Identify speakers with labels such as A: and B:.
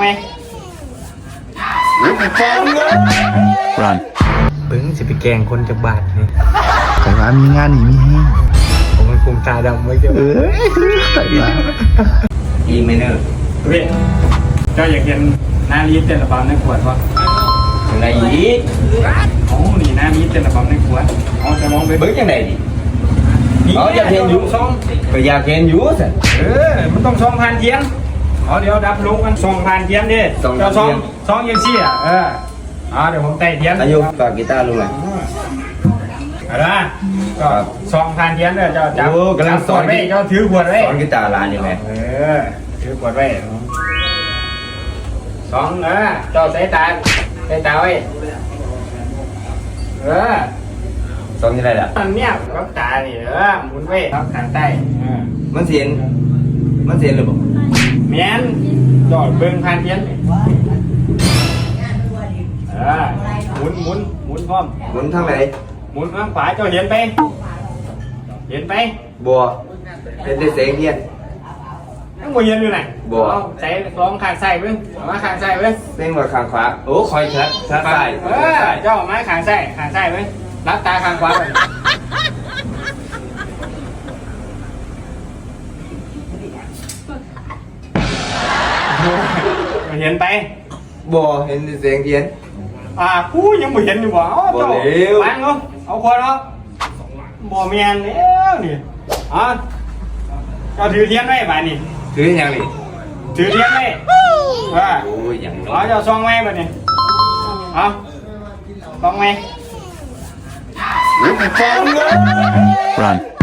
A: ไหม
B: Run
A: เบิ้งจะไปแกงคนจากบาทนี่
C: แต่ว่ามีงานหนีมีแห้ง
A: ผมมันคุมตาดำไว้เจ้า
C: แต่ว่า
B: E minor
A: เว้ยเจ้าอยากเห็นหน้าลีดเต้นระบำในขวดวะ
B: ยังไงอีก
A: โอ้นี่หน้าลีดเต้นระบำในขวดเอาจะมองไป
B: เบิ้งยังไงดิอยากเห็นอยู่
A: ซอง
B: ก็อยากเห็นอยู่สิ
A: มันต้องซองผ่านเทียนเดี๋ยวดับลุกมันซองผ่านเทียนดิเจ้าซองยังซี่อ่ะเดี๋ยวผมไต่เทียน
B: อายุฝากกีตาร์ลุงหน่อย
A: อะไรก็ซองผ่านเทียนเลยเจ้าจับ
B: โอ้กำลังสอน
A: ไว้เจ้าถือขวดไว้
B: สอนกีตาร์ร้านยังไง
A: ถือขวดไว้ซองเจ้าใส่ตาไว้
B: สอนยังไงล่ะ
A: มันเนี่ยรับตานี่หมุนไว้รับทางใต้
B: มันเสียนหรือเปล่า
A: เมียนจอดเบิ่งผ่านเทียนหมุนพร้อม
B: หมุนทางไหน
A: หมุนข้างขวาเจ้าเห็นไป
B: บัวเป็นเสียงเทียน
A: ทั้งหมดเห็นอยู่ไหน
B: บ่
A: ใส่ลองข้างซ้ายเบิ่งเอามาข้างซ้ายเบิ่ง
B: เส้นว่าข้างขวาโอ้คอยชัดใส่
A: เจ้าเอามาข้างซ้ายเบิ่งรับตาข้างขวาก่อนเห็นไป
B: บัวเห็นเสียงเทียน
A: กูยังไม่เห็นอยู่บ่เจ้า
B: บ่เร็ว
A: วางเอาคนเอาบ่เมียนแล้วนี่เจ้าถือเทียนไว้บ่านี่
B: ถือยังนี่
A: ถือเทียนไว้ว่า
B: โอ้ยยัง
A: เจ้าซองไว้บ่นี่ซองไว้
B: Run